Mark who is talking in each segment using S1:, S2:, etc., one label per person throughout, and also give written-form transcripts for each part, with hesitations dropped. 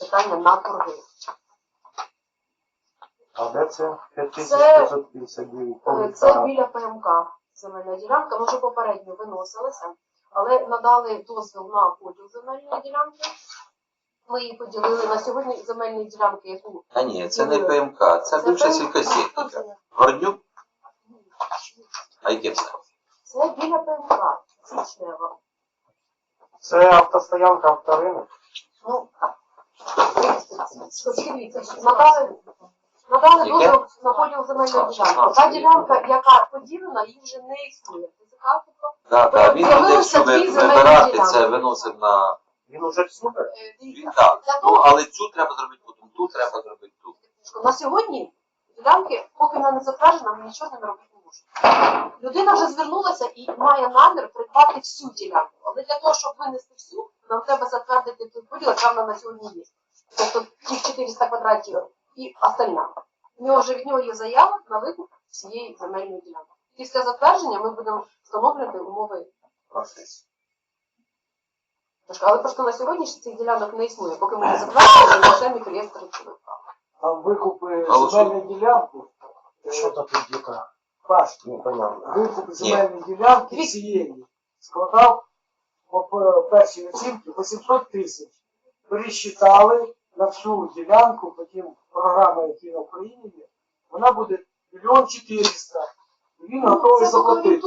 S1: питання на торги.
S2: А де це? 5559.
S1: Це біля ПМК земельна ділянка. Ми вже попередньо виносилися, але надали дозвіл на поділ земельної ділянки. Ми її поділили на сьогодні земельні ділянки, яку...
S3: А ні, це не ПМК, це бивша сількосєтніка. Гордюк? А яке це?
S1: Це біля ПМК, Січнева.
S2: Це автостоянка авторинок.
S1: Ну, дивіться, надали дозвіл на поділ земельної ділянки. Та ділянка, яка поділена, її вже не існує.
S3: Так, він буде, якщо вибирати, це виносив на...
S2: Він уже супер.
S3: Він так, ну, але цю треба зробити потім, ту треба зробити ту.
S1: На сьогодні ділянки, поки вона не затверджена, ми нічого з ними робити не можемо. Людина вже звернулася і має намір придбати всю ділянку. Але для того, щоб винести всю, нам треба затвердити той поділ, яка вона на сьогодні є. Тобто тих 400 квадратів і остальна. Від нього є заява на викуп всієї земельної ділянки. Після затвердження ми будемо встановлювати умови процесу. Але просто на сьогодні цих ділянок не існує, поки ми не затвердили окремі реєстри речових прав.
S2: А викупи земельну ділянку, що то тут діка? Паш, непонятно. Викуп земельної ділянки всієї складав по першій оцінці 800 тисяч. Пересчитали на всю ділянку, потім програма, які на Україні є, вона буде 1 400 000. І він готовий заплатити.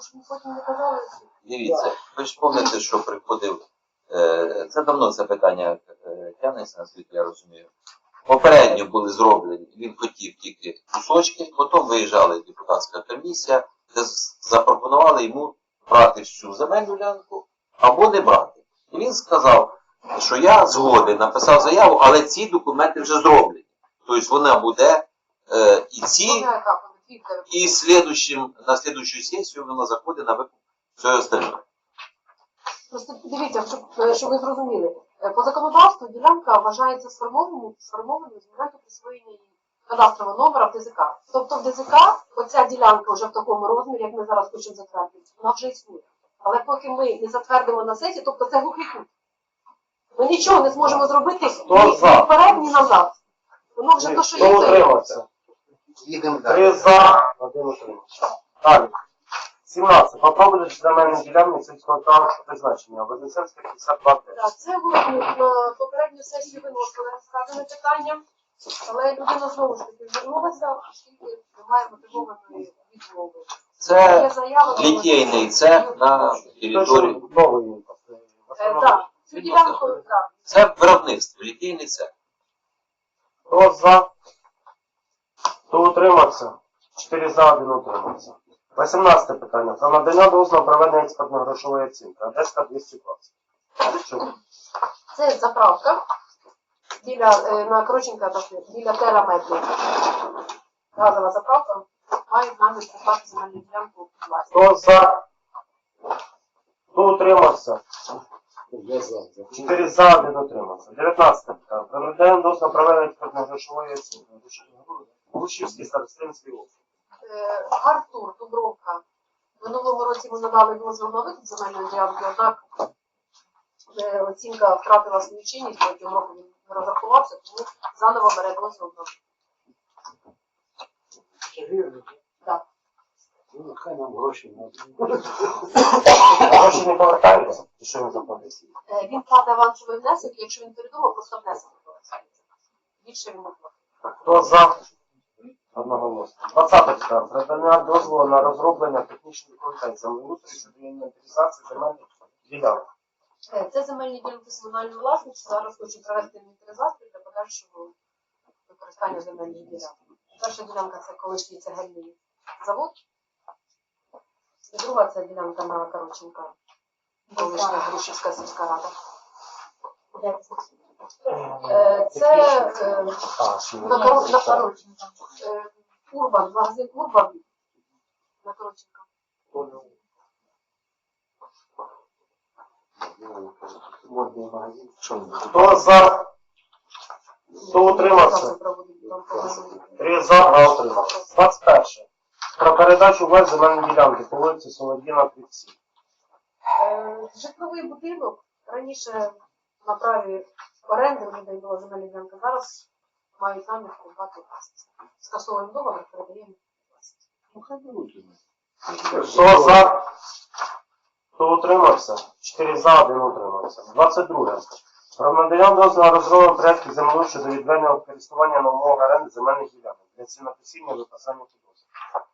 S3: Дивіться, ви ж пам'ятаєте, що приходив, це давно це питання тягнеться, наскільки я розумію. Попередньо були зроблені, він хотів тільки кусочки, потім виїжджала депутатська комісія, де запропонували йому брати всю земельну ділянку або не брати. І він сказав, що я згоден, написав заяву, але ці документи вже зроблені. Тобто вона буде і ці, і на слідущу сесію вона заходить на викуп всього остального.
S1: Просто дивіться, щоб ви зрозуміли. По законодавству ділянка вважається сформованою з моменту присвоєння її кадастрового номера в ДЗК. Тобто в ДЗК оця ділянка вже в такому розмірі, як ми зараз хочемо затвердити, вона вже існує. Але поки ми не затвердимо на сесії, тобто це глухий кут. Ми нічого не зможемо зробити ні вперед, ні назад. Воно вже то, що є, то є.
S2: Їдемо далі. 3 за, 1 утримався. Далі. 17. Попробуєш земельні ділянки сільського транспорту призначення. Вознесенська 52 теж.
S1: Так, це на попередню сесію виносили сказане питання, але людина знову ж таки звернулася, оскільки немає мотивованої відмови.
S3: Це літейний цех на території.
S2: Новий.
S1: Так, цю ділянку, так.
S3: Це виробництво, літейний цех.
S2: Хто за? Хто утримався? 4 за, 1 утримався. 18 питання. Про надання дозволу проведення експертно-грошової оцінки. Одеська 220.
S1: Це заправка на Кроченка, біля Тераметрі. Газова заправка має намір придбати земельну ділянку власність.
S2: Хто за? Хто утримався? 4 за, 1 утримався. 19 питання. Про надання дозволу проведення експертно-грошової оцінки. Гущівський старостинський округ.
S1: Артур, Дубровка. В минулому році ми надали дозвіл на викуп земельної ділянки, однак оцінка втратила свою чинність, протягом року він не розрахувався, тому заново бере дозвіл на викуп. Так.
S2: Ну, хай нам гроші не гроші не повертаються? Що він заплатить?
S1: Він платить авансовий внесок, якщо він передумав, просто внесок повертається. Більше він не платить.
S2: Хто за? Одноголосно. 20 питання. Надання дозволу на розроблення технічної документації землеустрою щодо інвентаризації земельних ділянок.
S1: Це земельні ділянки комунальної власності. Зараз хочу провести інвентаризацію для подальшого використання земельних ділянок. Перша ділянка це колишній цегельний завод. І друга це ділянка на Короченка. Колишня Грушівська сільська рада. Це на Короченка. Урбан, магазин Урбан на Короченка.
S2: Хто за? Хто утримався? 3 за, а утримався. 21. Про передачу власної земельної ділянки по вулиці Солодіна, 37.
S1: Житловий будинок раніше на праві оренди, вони дають була земельна ділянка. Зараз мають намір придбати власність. Скасовуємо договір, передаємо власність.
S4: Ну, хай беруть.
S5: Хто за? Хто утримався? 4 за, 1 утримався. 22. Про надання дозволу на розробленому проєкту землі щодо відведення в користування на умовах оренди земельних ділянок для цінопосіння випасання підозр.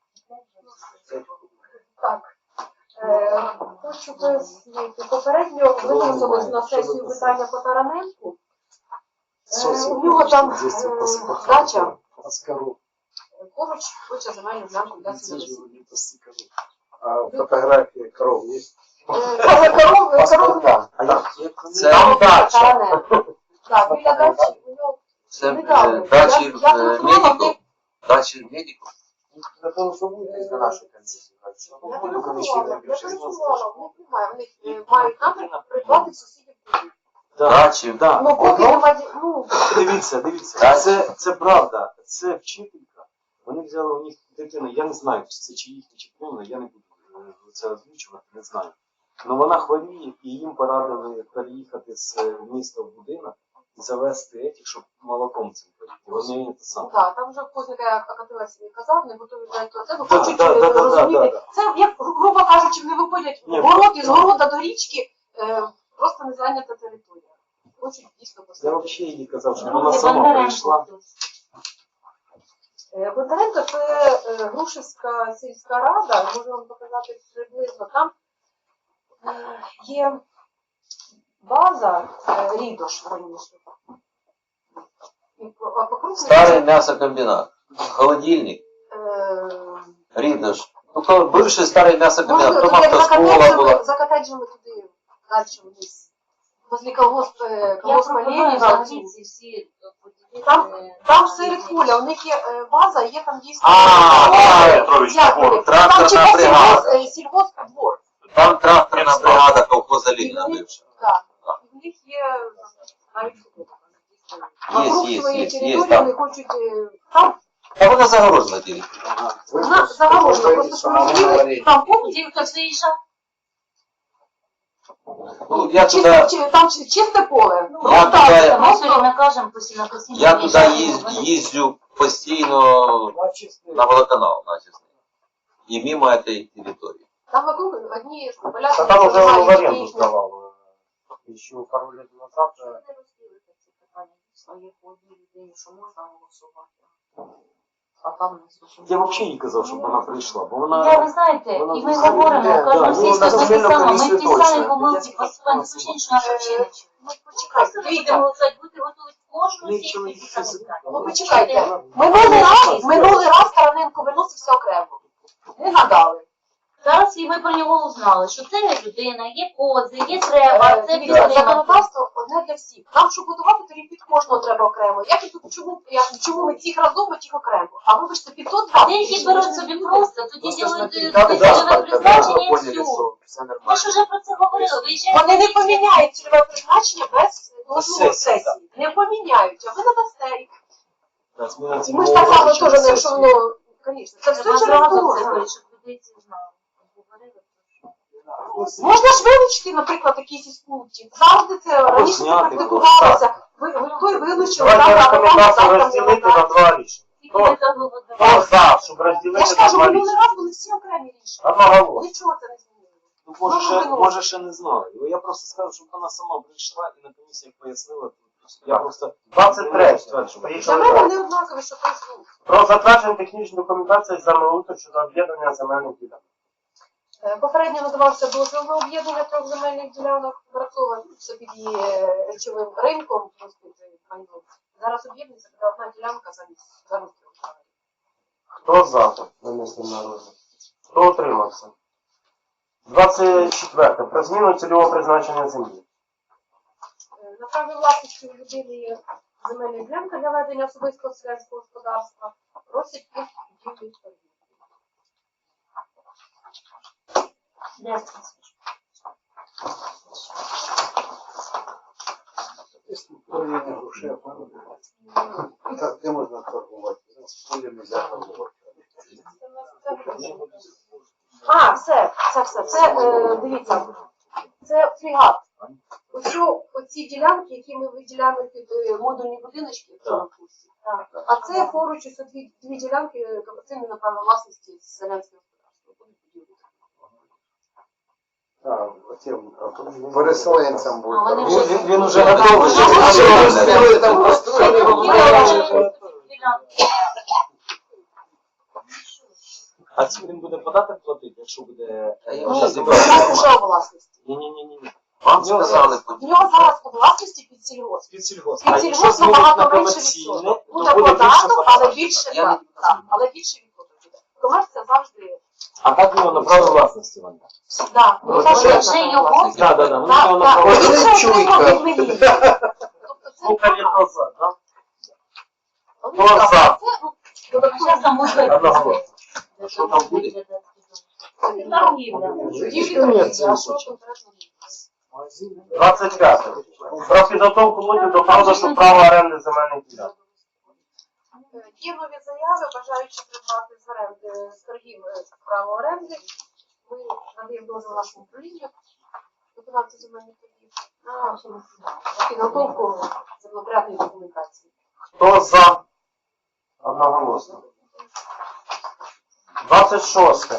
S1: Так. Хочу пояснити. Попередньо виносилось на сесію питання по Тараненку. У нього там дача поруч хоче земельну ділянку для сім'ї.
S4: А фотографії коров є?
S1: Коров,
S3: Це
S1: Тараненко. Так, біля дачі у нього
S3: Це
S1: недавно.
S3: дачі
S1: Я телефонувала,
S3: медиків. Дачі медиків.
S4: Для того, щоб вийти на нашу комісію.
S1: Я телефонувала, в них немає, вони мають намір придбати сусідів.
S3: Дачі.
S1: Ну, поки немає,
S6: Дивіться, це правда, це вчителька. Вони взяли у них дитину, я не знаю, чи це чи їхня, чи повна, я не буду це озвучувати, не знаю. Але вона хворіє, і їм порадили переїхати з міста в будинок і завести етіх, щоб молоком цим поїти. Вони те саме.
S1: так, там вже Кузник Акатилась казав, не готові до цього,
S6: Да,
S1: хочуть
S6: да.
S1: розуміти. Це, як, грубо кажучи, не виходять
S6: Ні.
S1: в город, із города до річки, просто не зайнята територія. Хочуть дійсно
S6: Я
S1: поставити.
S6: взагалі їй казав, щоб вона сама прийшла.
S1: Бондаренко – це Грушівська сільська рада, можу вам показати приблизно. Там є база Рідош раніше. А по кругу
S3: Старий м'ясокомбінат. Холодильник. Рідош. Ну, то бивший старий м'ясокомбінат.
S1: Можна
S3: Там
S1: туди
S3: автошкола була.
S1: за котеджами туди далі вниз. Возле колгоспа
S7: пропоную
S1: Леніна.
S7: взагалі ці всі
S1: Там серед поля, у них є база, є там дійсно.
S3: Петрович,
S1: Як вони?
S3: тракторна
S1: Там чекай
S3: бригада.
S1: сільгоспдвор.
S3: Там тракторна бригада колхоза Леніна бивша.
S1: Так. І в них є навіть футболка.
S3: Є,
S1: Свої
S3: є,
S1: території,
S3: там.
S1: вони хочуть там
S3: Та вона загорожена тільки.
S1: загорожено, просто що розуміли, там повністю
S7: Ті, хто виїжджав,
S3: Ну, я туди,
S1: там чисте поле. Ну,
S3: Я
S1: так,
S3: туди-
S7: ми все время кажемо постійно.
S3: я туди їздю постійно на водоканал, наче. І мимо цієї території.
S1: Там вокруг одні поля.
S5: Та там вже в
S1: маленькі,
S5: оренду
S1: їхні.
S5: здавав. Ще пару років назад.
S7: Що ви не розділите ці питання своїх по одній людині, що можна голосувати, а там не слушаємо.
S6: Я взагалі їй казав, щоб вона прийшла, бо
S7: Я,
S6: вона...
S7: ви знаєте,
S6: вона
S7: і ми
S6: взагалі
S7: говоримо,
S6: йде,
S7: кожну
S6: да,
S7: сільську
S6: ну, на
S7: те
S6: земельну
S7: саме, ми
S6: комісію
S7: ті самі
S6: точно.
S7: помилки
S6: Я
S7: поступаємо, звичайно, що наша вчення.
S1: Ну, почекайте,
S7: Просто не
S1: дивіться.
S7: будемо голосувати, бути готові кожну
S6: Нічого
S7: сесію
S6: не
S7: ці самі питання.
S1: Ну, почекайте. Минулий раз Тараненко виносився окремо. Не надали.
S7: Зараз і ми про нього узнали, що це людина, є кози, є треба, це
S1: Дивіться,
S7: підтримати.
S1: законодавство одне для всіх. Нам, щоб будувати, тоді під кожного треба окремо. Як і тут, чому ми тих разом, а тих окремо? А вибачте, під тот
S7: А деякі беруть собі просто, тоді ділять цільове призначення і все. Ми ж вже про це говорили, виїжджаємо.
S1: Вони не поміняють цільове призначення без дозволу сесії. Не поміняють, а ви надасте їх. І ми ж так само теж не, що воно, звісно, це все
S7: Треба
S1: через
S7: зразу це
S1: договір.
S7: говорити, щоб людей це знали. Говорили,
S1: Можна ж вилучити, наприклад, якісь із пунктів. Завжди це раніше це
S6: зняти
S1: практикувалося. Той вилучили,
S5: Давайте
S1: завтра, а
S5: рекомендацію
S1: завтра не
S5: розділити на
S1: надо.
S5: 2 рішення.
S7: тільки не заголовок.
S5: Хто за, щоб
S1: Я
S5: розділити
S1: ж
S5: на
S1: кажу,
S5: 2
S1: минулий
S5: рішення?
S1: раз були всі окремі рішення.
S5: Одноголосно.
S1: Нічого це не змінило.
S6: Може, ще не знали. Я просто сказав, щоб вона сама прийшла і на комісіях пояснила. Я просто...
S5: 23.
S1: Для
S5: Поїхали
S1: мене
S5: далі.
S1: не однакові, що той звук.
S5: Про затвердження технічної документації землеустрою щодо об'єднання земельних ділянок.
S1: Попередньо надавався дозвіл на об'єднання трьох земельних ділянок, Барцова, це під її речовим ринком, майном. Зараз об'єднується буде одна ділянка замість трьох.
S5: Хто за винесення на розгляд? Хто утримався? 24. Про зміну цільового призначення землі.
S1: На праві власності у людини є земельна ділянка для ведення особистого селянського господарства. Просять їх відділити торгівлю.
S7: Де це?
S4: Так, де можна торгувати? Поле нельзя торгувати.
S1: А, все. Це, дивіться, це фрегат. Оці ділянки, які ми виділяємо під модульні будиночки в цьому курсі. А це поруч ось дві ділянки комерційної на право власності з селянського господарства. Будуть будівлі.
S4: Переселенцям
S7: А вони
S4: буде.
S7: вже-
S6: Він уже готовий.
S4: Вони там построїли.
S6: А ці він буде податок платити, якщо буде...
S3: Та я
S1: Ну,
S3: вже
S1: у
S3: зібрав.
S1: нас вже у власності.
S6: Ні.
S3: Вам сказали,
S1: В нього зараз у власності під сільгосп.
S6: Під сільгосп.
S1: Під
S6: А
S1: сільгосп
S6: якщо змінить на
S1: набагато менше
S6: комерційне,
S1: відсоток.
S6: то
S1: Буде
S6: буде більше
S1: податок, але
S6: податок.
S1: більше,
S3: Я не
S1: так, але більше відсоток буде. Комерція завжди,
S6: А так в нього на право власності вона.
S1: так.
S6: Ну,
S1: це
S6: це
S1: вже
S7: вже його?
S1: власність.
S6: Да. Вони
S1: Так,
S6: його на
S1: так.
S6: право
S1: Він
S4: Ось
S1: вже
S4: чуйка.
S1: отримав від мені. Тобто це
S5: Слухай назад, да?
S1: Ну,
S5: Хто
S1: так,
S5: за?
S1: це, ну, додатково.
S7: Зараз там буде.
S5: Одноголосно.
S3: Що там буде?
S7: Торгівля.
S1: Будівлі
S6: Комерція
S1: торгівлі, а що
S6: хоче.
S1: конкретно?
S5: 25. Про підготовку лотів до продажу права оренди земельних ділянок.
S1: Є нові заяви, бажаючи придбати з оренди з торгів право оренди. Ми надаємо дозвіл нашому управлінню, виконавцю земельних торгів, на підготовку землепорядної документації.
S5: Хто за? Одноголосно. 26.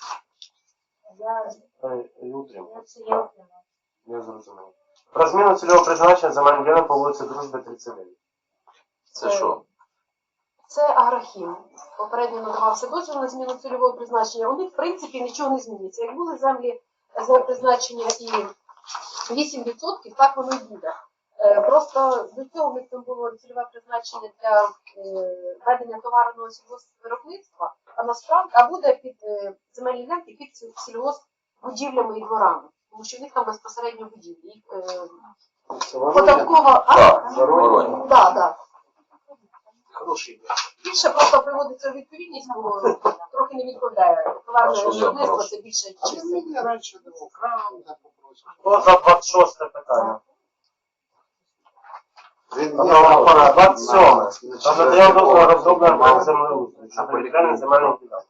S7: Я
S5: Не зрозумів. Про зміну цільового призначення земельних ділянок по вулиці Дружби 39.
S3: Це що?
S1: Це агрохім. Попередньо надавався дозвіл на зміну цільового призначення. У них, в принципі, нічого не зміниться. Як були землі призначення і 8%, так воно і буде. Просто до цього в них там було цільове призначення для ведення товарного сільгоспвиробництва, а насправді буде під земельні ділянки під сільгоспбудівлями і дворами. Тому що в них там безпосередньо будівлі. Їх, податкова.
S3: Воронь.
S1: Так.
S6: Хороший.
S1: Більше просто приводиться у відповідність, бо трохи не відповідає. Товарне
S3: А що за
S1: виробництво
S3: хороше?
S1: це більше чим.
S4: Мені раніше було крам, так попросив.
S5: Хто за 26 питання?
S4: Він
S5: 27. Про надання дозволу на розроблення плану землеустрою щодо відведення земельних ділянок.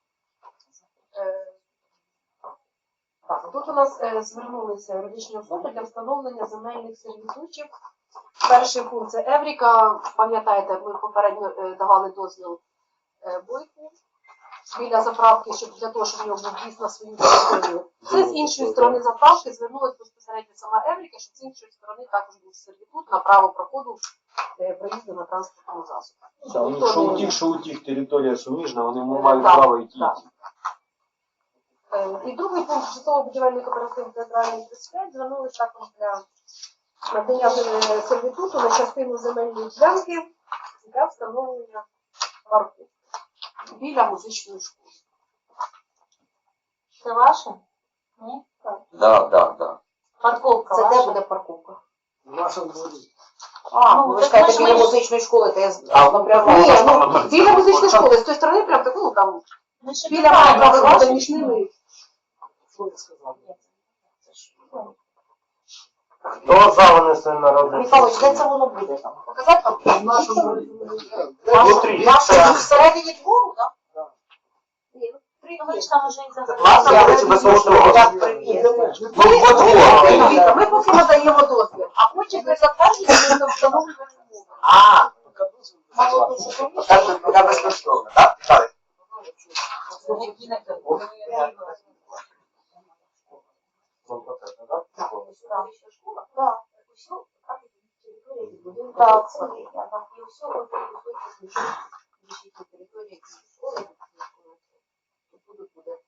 S1: Так, тут у нас звернулися юридичні особи для встановлення земельних сервітутів. Перший пункт це Евріка. Пам'ятаєте, ми попередньо давали дозвіл Бойку біля заправки, щоб для того, щоб в нього був в'їзд на свою територію. Це з іншої сторони заправки звернулася безпосередньо сама Евріка, щоб з іншої сторони також був сервітут на право проходу проїзду на транспортному засобі.
S6: Що у тих територія суміжна, вони мають
S1: Так,
S6: право йти.
S1: так. І другий пункт житлово-будівельний кооператив «Театральний 35» звернулися також для надання сервітуту на частину земельної ділянки для встановлення парку біля музичної школи.
S7: Це ваше? Ні?
S3: Да.
S7: Парковка
S1: Це де
S7: ваша?
S1: буде парковка?
S2: В нашому дворі.
S7: Ну,
S1: ви
S7: так
S1: скажете,
S7: ми ж
S1: біля
S7: ми-
S1: музичної школи, то я
S3: напряму.
S1: Ні, ну, біля музичної школи, з тої сторони, прям таку, ну там,
S7: Ми ще
S1: біля
S7: питаємо,
S1: має
S7: це
S1: право
S7: ваше?
S1: між ними.
S2: Що я сказав?
S5: Хто за винесення на розгляд?
S1: Михайлович, де це воно буде там? Показати вам?
S2: В нашому дворі.
S5: Внутрі.
S1: Всередині двору, так? Ні,
S7: Ну, ви ж там уже і за
S3: Власне, я хочу без того
S1: Дивіться, ми поки надаємо дозвіл, а потім при затвердженні ми встановлюємо умови.
S3: Пока безкоштовно, так? Так.
S1: Так, так, це є. І все ось території школи, буде.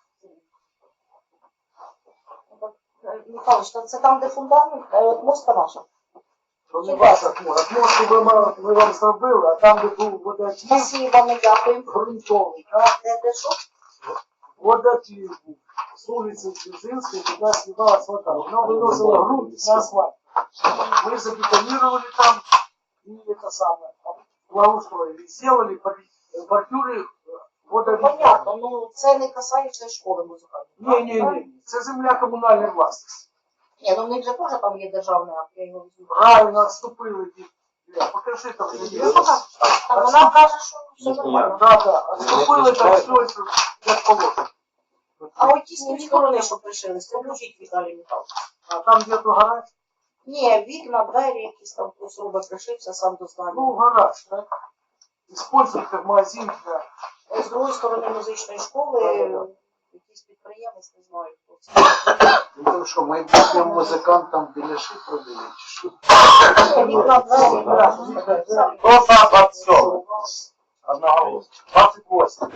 S1: Михайлович, це там, де фундамент, от моста наша.
S2: То не ваша хмура. Отмостку ми вам зробили, а там, де був водотік,
S1: Спасибо, ми дякуємо.
S2: грунтовий, так?
S1: Де що?
S2: Водотік був. З вулиці Дзержинської туди сливалась вода. Вона виносила грунт на асфальт. Мы забетонировали там и это самое, благоустроили. Сделали бордюры водовідведення.
S1: Понятно, ну це не касається школи музикальної.
S2: Ні. Це земля комунальної власності.
S1: Ні, ну в них же теж там є державний акт, я його візьму.
S2: Правильно відступили. Покажи там.
S1: Так вона каже, що все нормально.
S2: Да. Відступили там все, як положено.
S1: А от ті з тієї сторони, що пришили, це включіть Віталій Михайлович.
S2: А там где-то гараж?
S8: Ні, вікна, двері, якісь там хтось робить, пришився сам до здання.
S2: Ну, гараж, так? Использують як магазин для...
S8: З другої сторони музичної школи,
S2: Да-да-да.
S8: якийсь підприємець, не знаю хто це.
S4: Ну то що, майбутнім музикантам біляши продають, чи що?
S8: Вікна, двері, гараж.
S5: Хто за 27? Одноголосно. 28.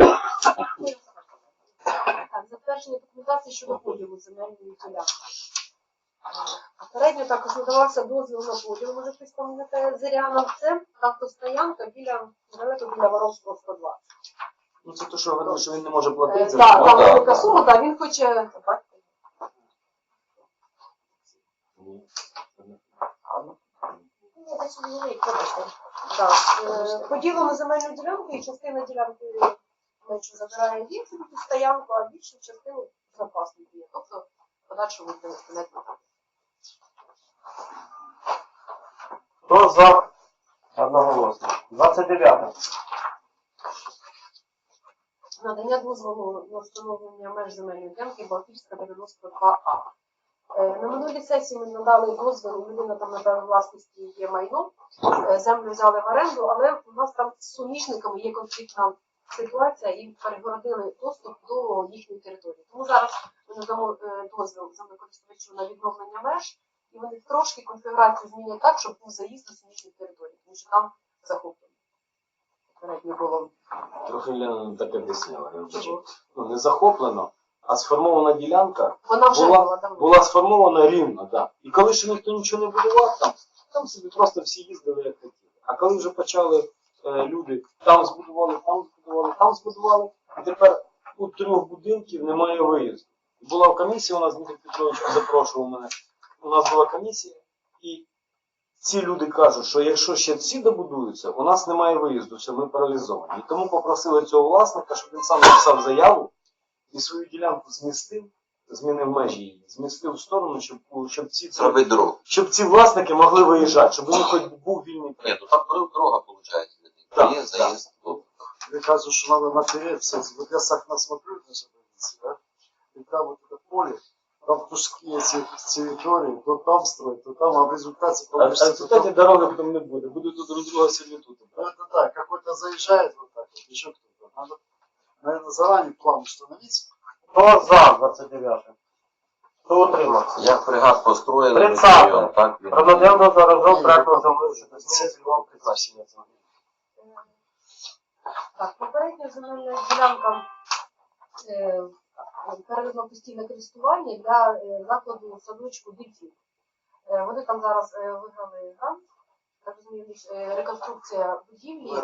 S1: Так, затвердження документації щодо поділу земельної ділянки. Попередньо також надавався дозвіл на поділ, може хтось пам'ятає, Зиряна. Це автостоянка далеко біля Воровського 102.
S6: Ну це то, що говорили, що він не може платити за
S1: Так,
S3: Ну,
S1: там
S3: так,
S1: велика
S3: так.
S1: сума, так, він хоче.
S6: Ні.
S8: Ні, десь у Львові, вибачте.
S1: Так, поділу на земельну ділянку і частина ділянки менше забирає він собі під стоянку, а більшу частину запасу є. Тобто подальшому буде виставляти на так.
S5: Хто за? Одноголосно. 29.
S1: Надання дозволу на встановлення меж земельної ділянки Балтійська 92А. На минулій сесії ми надали дозвіл, людина там на праві власності є майно, землю взяли в оренду, але у нас там з суміжниками є конфліктна ситуація і перегородили доступ до їхньої території. Тому зараз ми надамо дозвіл землекористувачу на відновлення меж, і вони трошки конфігурацію змінять так, щоб був заїзд до суміжних територій, тому що там захоплено. Попередньо було.
S6: Трохи Лена так об'ясняла. Я вчора. Ну, не захоплено, а сформована ділянка
S1: Вона вже була давно.
S6: була сформована рівно, так. І коли ще ніхто нічого не будував, там собі просто всі їздили як хотіли. А коли вже почали люди там збудували, там збудували, там збудували, і тепер у 3 будинків немає виїзду. Була комісія, у нас Дмитро Петрович запрошував мене. У нас була комісія, і ці люди кажуть, що якщо ще ці добудуються, у нас немає виїзду, все, ми паралізовані. І тому попросили цього власника, щоб він сам написав заяву і свою ділянку змінив межі її, змістив в сторону,
S3: Зробить дорогу.
S6: щоб ці власники могли виїжджати, щоб у них хоч був вільний
S3: Ні, ну там дорога, виходить.
S6: Так,
S3: Є заїзд. тут.
S4: Я кажу, что надо напереться. Вот я сахна смотрю на больнице, да? И там вот это поле, там пушки эти территории, то там строят, то там, а в результате
S6: А в
S4: получится...
S6: результаті дороги потім не буде, будуть тут друг друга сервітути.
S4: Ну это да, какой-то заезжает вот так вот, еще кто-то. Надо, наверное, заранее план установить.
S5: Хто за 29? Хто утримався?
S3: Як фрегат построїли,
S5: 30.
S3: район, так він.
S5: Громадян до заразов проекту землі щодо зміни цільового призначення землі.
S1: Так, попередня земельна ділянка переведено постійне користування для закладу садочку дитів. Вони там зараз виграли грант, так розумію, реконструкція будівлі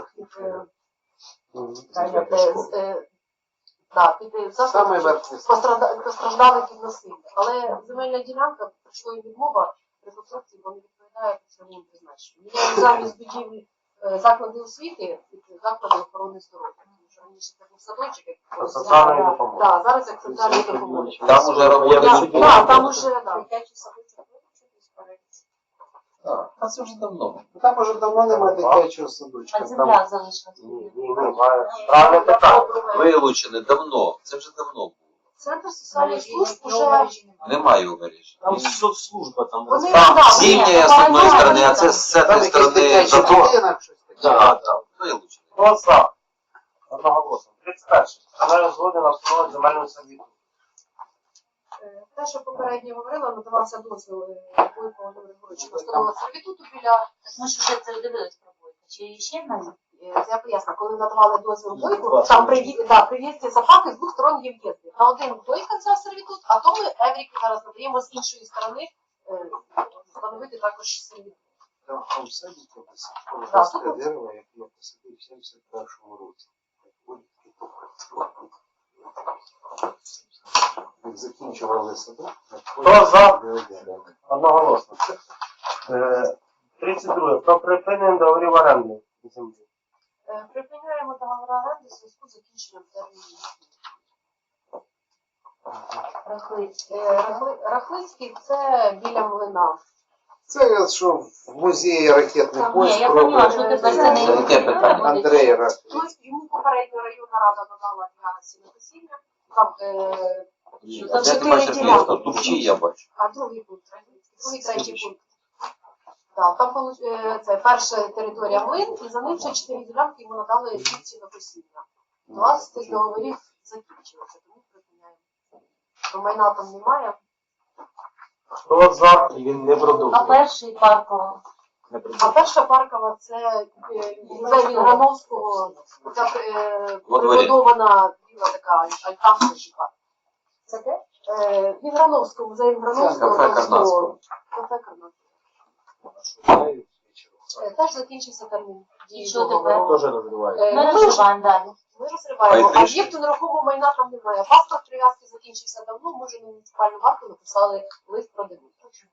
S1: під
S4: Самый
S1: заклад
S4: верхний.
S1: постраждали від насилля. Але земельна ділянка, прийшла їм відмова реконструкції, бо не відповідає цільовому призначенню. Міняють замість будівлі заклади освіти під заклади охорони здоров'я. Тому що раніше це був садочок, як
S5: Соціальної допомоги.
S1: Так, зараз як соціальної допомоги.
S3: Там уже роботи.
S1: Так, там уже, так.
S8: Дитячий садочок виключитись перед.
S3: Так, а це вже давно.
S4: Там уже давно немає дитячого садочка.
S7: А
S4: Там
S7: земля залишилась.
S5: Ні, має. Правильне питання.
S3: Вилучене давно. Це вже давно було.
S1: Центр соціальних служб уже...
S3: Немає у мережі.
S6: Там соцслужба, там
S1: Вони,
S5: Там
S1: да,
S3: Зимняя з одної сторони, а це з
S4: там
S3: цієї
S4: якийсь
S3: сторони
S4: дитячий
S3: забор.
S4: будинок, щось таке.
S3: Так, так, вилучене.
S5: Хто за? Одноголосно. 31. Земельна згоди на встановлення земельного сервіту.
S1: те, що попередньо говорила, надавався дозвіл Бойко Володимиру Григоровичу на встановлення сервітуту біля...
S7: Ми ж вже це дивились про Бойка. Чи ще на
S1: Я поясню, коли надавали дозвіл Бойку, там при в'їзді Запаки з двох сторон є в'їзди. На один Бойка взяв сервітут, а то ми Евріку зараз надаємо з іншої сторони встановити також сервітут.
S4: Там в садику
S1: Так,
S4: росте
S1: тут-
S4: дерево, яке я посадив в 71-му році. Як закінчували садок,
S5: Хто за? Одноголосно. 32. Про припинення договорів оренди землі.
S1: Припиняємо договори оренди в зв'язку з закінченням терміну. Рахлицький це біля млина.
S4: Це я що в музеї ракетний
S1: Там,
S4: поїзд
S7: я поняла,
S4: робить.
S7: що тепер це не
S3: Яке питання?
S4: Андрей Рахлицький.
S1: Йому попередньо районна рада надала для сінокосіння. Там
S7: Що
S3: А
S7: там
S3: де ти
S8: чотири
S3: бачиш
S8: ділянки.
S3: місто? Тупчі я бачу.
S1: А другий пункт, другий, третій пункт. Так, там це перша територія млин, і за ним ще 4 ділянки йому надали дівці на посіння. 20 тих договорів закінчилося, тому припиняємо. Бо майна там немає.
S5: Хто за?
S6: І він не
S7: А
S6: продовжує.
S7: перший паркова.
S6: Не
S1: А
S6: продовжує.
S1: перша паркова це музей Вінграновського, оця
S3: Во дворі.
S1: прибудована біла така альтанка жива.
S7: Це де?
S1: Вінграновського, музей Вінграновського.
S3: Кафе Карнацького.
S1: Кафе Карнацького.
S6: Знаю,
S1: Теж закінчився термін дії
S7: що
S1: договору.
S6: Теж розриває.
S1: Е,
S7: Ми
S1: ми
S7: розживаємо далі.
S1: Ми розриваємо.
S3: Хай трішки.
S1: Об'єкту нерухомого майна там немає. Паспорт прив'язки закінчився давно, ми вже на муніципальну варту написали лист про дебют.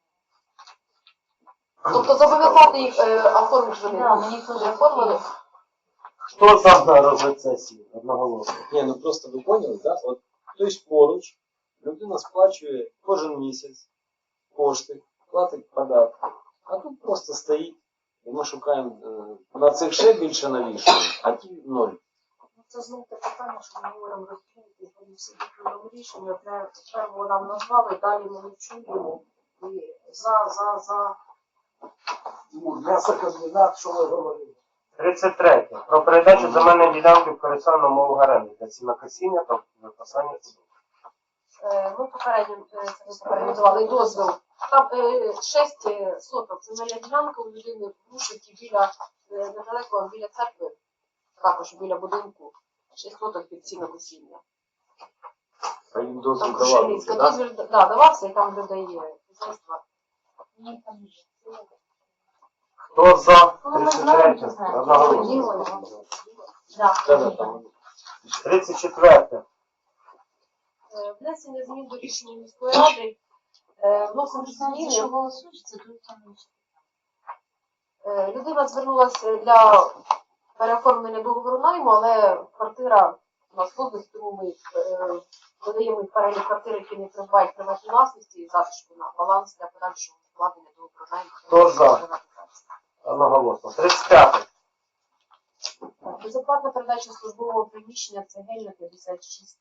S1: Тобто зобов'язати їх оформити вони
S7: Да, мені теж
S1: не оформили.
S5: Хто за на розгляд сесії? Одноголосно.
S6: Ні, ну просто ви поняли, так? От хтось поруч, людина сплачує кожен місяць кошти, платить податки. А тут просто стоїть, і ми шукаємо на цих ще більше навішуємо, а ті ноль.
S8: Це знову те питання, що ми говоримо розповідати, вони всі такі рішення, одне перво нам назвали, далі ми не чуємо. І за.
S2: Ну, м'ясокомбінат, що ви говорили?
S5: 33. Про передачу земельної ділянки в користування на умовах оренди для сінокосіння та випасання худоби.
S1: Ми попередньо давали дозвіл. Там 6 соток земельна ділянка у людини в Рушиті біля, недалеко біля церкви, також біля будинку. 6 соток під сінокосіння.
S6: А їм дозвіл
S1: Там
S6: давали
S1: Крушельницька
S6: вже, так?
S1: дозвіл давався, і там людей є хазяйства.
S7: Ні, там є.
S5: Хто за?
S7: Ну, ми знаємо,
S5: 33.
S7: ми знаємо.
S5: Одноголосно.
S7: Да.
S6: Да-да, там.
S5: 34.
S1: Внесення змін до рішення міської ради. Вносимо
S7: Знаєте, що
S1: зміни.
S7: голосують, це тут там є.
S1: Людина звернулася для переоформлення договору найму, але квартира у нас власність, тому ми додаємо їх перелік квартир, які не придбають приватній власності і залишку на баланс для подальшого вкладення договору найму.
S5: Хто за? Одноголосно. 35.
S1: Безоплатна передача службового приміщення Цегельна 56.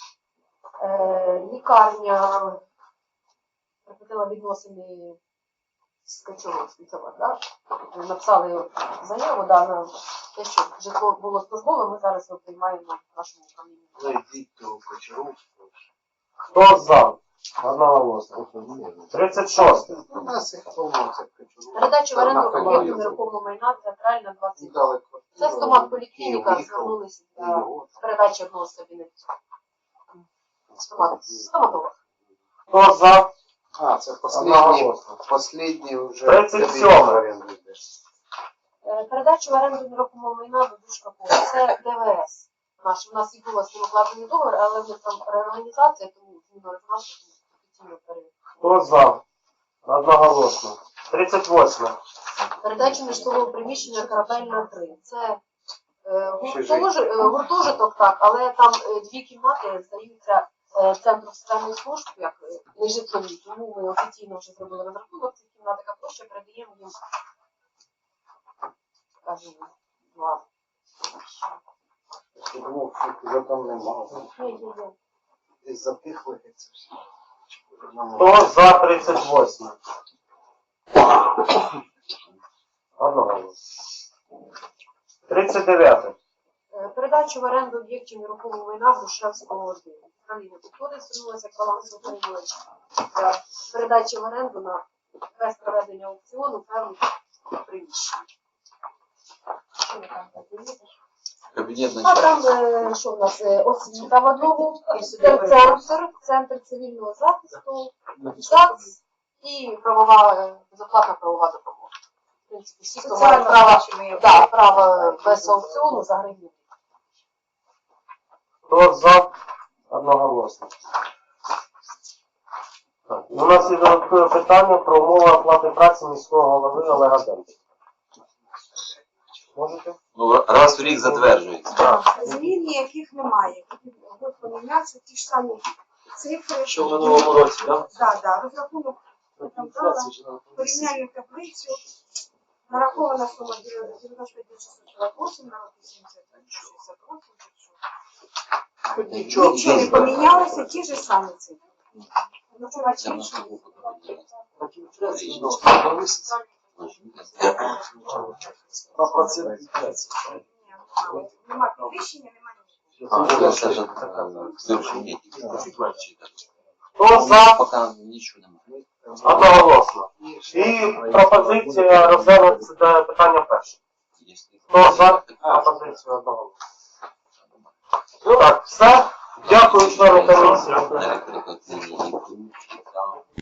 S1: Лікарня припинила відносини з Качовим спецовод, да? Написали заяву, да, на те, що житло було службове, ми зараз його приймаємо в нашому управлінні.
S5: Хто за? Одноголосно. 36.
S4: У нас їх повно це
S1: Передача в оренду об'єкту нерухомого майна театральна 20. Це стомат поліклініка, звернулися для передачі одного з кабінетів. Стоматолог.
S5: Хто за?
S4: А, це
S5: Одноголосно.
S4: последній вже
S5: 37.
S1: Передача в оренду нерухомого майна до Душка Поля. Це ДВС. У нас і було з ним укладений договір, але в них там реорганізація, тому зміна резонансу, офіційно перевірка.
S5: Хто за? Одноголосно. 38.
S1: Передача нежитлового приміщення Корабельна 3. Це гуртожиток, так, але там 2 кімнати здаються Центру соціальних служб, як нежитлові, тому ми офіційно вже зробили розрахунок цих кімнат, яка площа передаємо їм, скажімо, 2.
S4: Я думав, що вже там немає.
S1: Є.
S4: Десь запихли це все.
S5: Хто за 38? Одноголосно. 39.
S1: Передачу в оренду об'єктів нерухомого майна Грушевського 1. Управління культури звернулося як балансоутримувач для передачі в оренду на без проведення аукціону певних приміщень. Що ви там подивитесь?
S3: Кабінет
S1: А
S3: начальника.
S1: там, що в нас, освіта в одному, центр цивільного захисту, ЗАГС і безоплатна правова допомога. В принципі, всі, хто мають право без аукціону за гривню.
S5: Хто за? Одноголосно. Так. У нас є додаткове питання про умови оплати праці міського голови Олега Демченка. Можете?
S3: Ну, раз в рік затверджується.
S5: Так.
S8: Змін ніяких немає. Будуть помінятися ті ж самі цифри.
S6: Що в минулому році, так?
S8: Да. Розрахунок там дала, порівняльну таблицю. Нарахована сума 95 648, народ 70, 68, Нічого не помінялося, ті ж самі цифри. Ну,
S3: Це
S8: бачите,
S3: на слуху подивитися.
S4: Так інфляція повиситься.
S6: На процент інфляції.
S8: нема підвищення, нема нічого.
S3: А, це ж вирішення.
S5: Хто за?
S3: Поки нічого немає.
S5: Одноголосно. І пропозиція розглянути це питання перше. Хто за пропозицію одноголосно? Так, все. Дякую, члени комісії.
S3: Електрикоційні і